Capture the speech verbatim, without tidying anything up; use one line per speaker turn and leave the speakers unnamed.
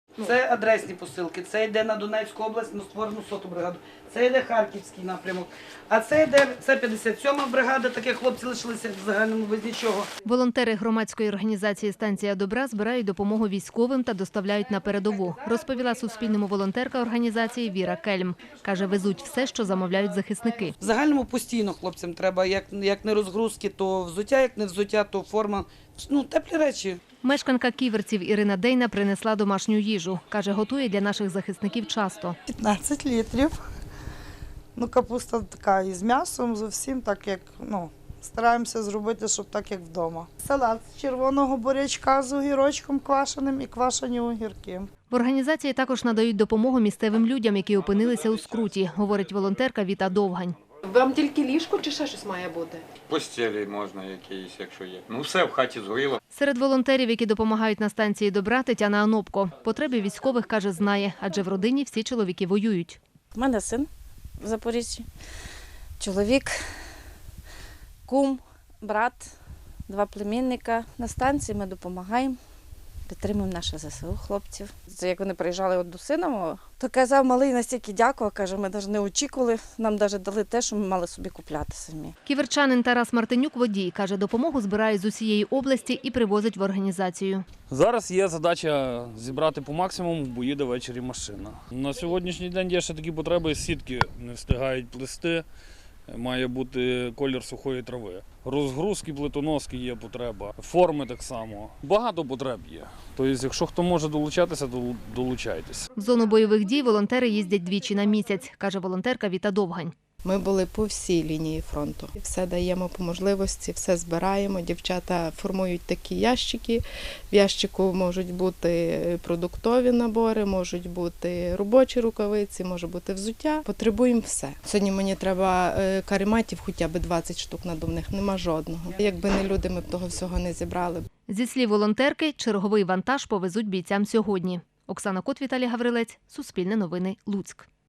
Це адресні посилки, це йде на Донецьку область, на створену соту бригаду, це йде Харківський напрямок, а це йде, це п'ятдесят сьома бригада, такі хлопці лишилися в загальному без нічого.
Волонтери громадської організації «Станція добра» збирають допомогу військовим та доставляють на передову, розповіла Суспільному волонтерка організації Віра Кельм. Каже, везуть все, що замовляють захисники.
В загальному постійно хлопцям треба, як, як не розгрузки, то взуття, як не взуття, то форма, ну, теплі речі.
Мешканка Ківерців Ірина Дейна принесла домашню їжу. Каже, готує для наших захисників часто.
п'ятнадцять літрів. Ну, капуста така із м'ясом, зовсім так, як, ну, стараємося зробити, щоб так, як вдома. Салат з червоного бурячка з огірочком квашеним і квашені огірки.
В організації також надають допомогу місцевим людям, які опинилися у скруті, говорить волонтерка Віта Довгань.
Вам тільки ліжко чи ще щось має бути?
Постілі можна якісь, якщо є. Ну все в хаті згоріло.
Серед волонтерів, які допомагають на станції добра, Тетяна Анопко. Потреби військових, каже, знає, адже в родині всі чоловіки воюють.
У мене син в Запоріжжі, чоловік, кум, брат, два племінника. На станції ми допомагаємо, підтримуємо наше ЗСУ хлопців. Це як вони приїжджали от до сина мого, то казав малий настільки дякував, каже, ми навіть не очікували, нам навіть дали те, що ми мали собі купляти самі.
Ківерчанин Тарас Мартинюк – водій. Каже, допомогу збирають з усієї області і привозить в організацію.
Зараз є задача зібрати по максимуму, бо їде ввечері машина. На сьогоднішній день є ще такі потреби, сітки не встигають плести, має бути колір сухої трави. Розгрузки, плитоноски є потреба, форми так само. Багато потреб є. Тобто, якщо хто може долучатися, то долучайтесь.
В зону бойових дій волонтери їздять двічі на місяць, каже волонтерка Віта Довгань.
Ми були по всій лінії фронту. Все даємо по можливості, все збираємо. Дівчата формують такі ящики. В ящику можуть бути продуктові набори, можуть бути робочі рукавиці, може бути взуття. Потребуємо все. Сьогодні мені треба карематів хоча б двадцять штук надувних, нема жодного. Якби не люди, ми б того всього не зібрали.
Зі слів волонтерки, черговий вантаж повезуть бійцям сьогодні. Оксана Кот, Віталій Гаврилець, Суспільне новини, Луцьк.